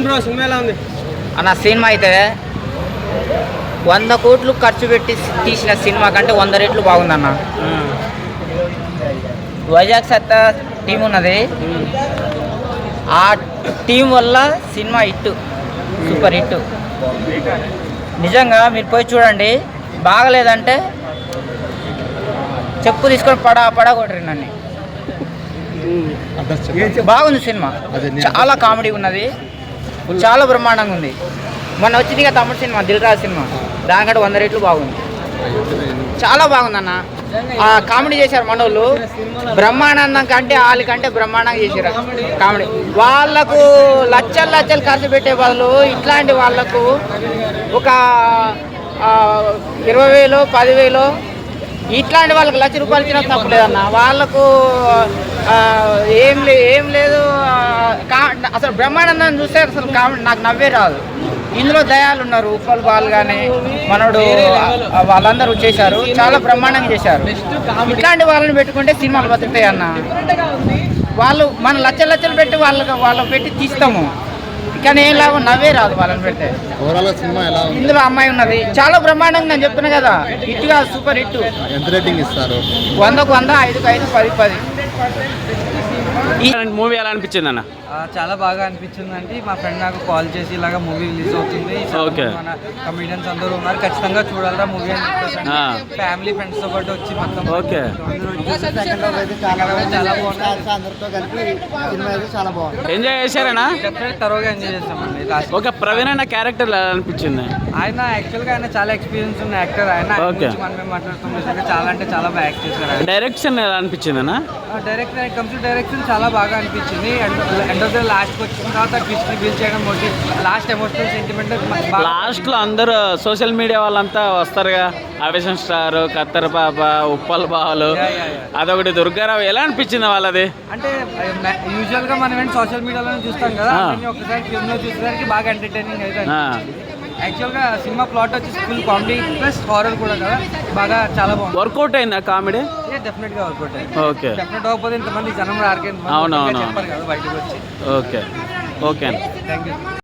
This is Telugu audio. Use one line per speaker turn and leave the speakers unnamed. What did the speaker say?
బ్రో సినిమా ఎలా ఉంది
అన్న? సినిమా అయితే 100 కోట్లు ఖర్చు పెట్టి తీసిన సినిమా కంటే 100 రెట్లు బాగుందన్న. వైజాగ్ సత్తా టీం ఉన్నది, ఆ టీం వల్ల సినిమా హిట్, సూపర్ హిట్. నిజంగా మీరు పోయి చూడండి, బాగలేదంటే చెప్పు తీసుకొని పడా కొట్టరు నన్ను. బాగుంది సినిమా, చాలా కామెడీ ఉన్నది, చాలా బ్రహ్మాండంగా ఉంది. మొన్న వచ్చింది కదా తమ్ముడు సినిమా, దిల్ రాజు సినిమా, దానికంటే 100 రెట్లు బాగుంది, చాలా బాగుందన్న. కామెడీ చేశారు మనోళ్ళు, బ్రహ్మానందం కంటే వాళ్ళకంటే బ్రహ్మాండంగా చేశారు కామెడీ. వాళ్ళకు లచ్చలు ఖర్చు పెట్టే బదులు ఇట్లాంటి వాళ్ళకు ఒక 20,000 10,000 ఇట్లాంటి వాళ్ళకి ₹1,00,000 ఇచ్చినా తప్పలేదన్న. వాళ్ళకు ఏం లేదు. అసలు బ్రహ్మానందాన్ని చూస్తే అసలు కామెడీ నాకు నవ్వే రాదు. ఇందులో దయాలు ఉన్నారు, ఉప్పల్ బాల్ కానీ మనోడు, వాళ్ళందరూ చేశారు, చాలా బ్రహ్మాండంగా చేశారు. ఇట్లాంటి వాళ్ళని పెట్టుకుంటే సినిమాలు బతుకుతాయి అన్న. వాళ్ళు మన లచ్చలు పెట్టి వాళ్ళకి పెట్టి తీస్తాము, కానీ ఏం లాభం, నవ్వే రాదు వాళ్ళని పెడితే. ఇందులో అమ్మాయి ఉన్నది, చాలా బ్రహ్మాండంగా, నేను చెప్తున్నా కదా, హిట్గా సూపర్ హిట్.
ఎంత రేటింగ్ ఇస్తారు?
100కు 100, 5కు 5, 10కు 10.
ఈ మూవీ ఎలా అనిపించింది అన్న?
చాలా బాగా అనిపించింది అండి. మా ఫ్రెండ్ నాకు కాల్ చేసి ఇలాగ మూవీ రిలీజ్ అవుతుంది, మన కమెడియన్స్ అందరూ ఉన్నారు, ఖచ్చితంగా చూడాలరా మూవీ అని చెప్పేసి ఫ్యామిలీ ఫ్రెండ్స్ తో పాటు వచ్చి మొత్తం
ఎంజాయ్ చేశారనా?
తరోగా ఎంజాయ్ చేస్తామండి.
ఓకే, ప్రవీణ్ అన్న క్యారెక్టర్ ఎలా అనిపించింది?
ఆయన యాక్చువల్ గా ఆయన చాలా ఎక్స్పీరియన్స్ ఉన్న యాక్టర్. ఆయన మనం మాట్లాడుతున్న చాలా అంటే చాలా బాగా యాక్ట్ చేశారు.
డైరెక్షన్ ఎలా అనిపించింది అన్న?
డైరెక్షన్ చాలా బాగా అనిపించింది. ఎండ్ ఆఫ్ ద లాస్ట్ వచ్చిన తర్వాత ట్విస్ట్ రివీల్ చేయడం, లాస్ట్ ఎమోషనల్ సెంటిమెంట్.
లాస్ట్ లో అందరూ సోషల్ మీడియా వాళ్ళంతా వస్తారుగా, ఆవేశం స్టార్, కత్తెర పాప, ఉప్పల్ బాలు, అదొకటి దుర్గారావు, ఎలా అనిపించింది వాళ్ళది?
అంటే యూజువల్ గా మనం ఏంటి సోషల్ మీడియాలోనే చూస్తాం కదా, ఒకసారి ఫిల్మ్ లో చూసేసరికి బాగా ఎంటర్టైనింగ్ అయితే. యాక్చువల్ గా సినిమా ప్లాట్ వచ్చి ఫుల్ కామెడీ ప్లస్ హారర్ కూడా కదా, బాగా చాలా బాగుంది.
వర్కౌట్ అయిందా కామెడీ?
డెఫినెట్ గా వర్కౌట్ అయింది.
ఓకే,
డెఫినెట్ అవ్వకపోతే ఇంతమంది జనం రారికే చెప్పారు కదా బయటకు వచ్చి.
Okay, okay,
thank you.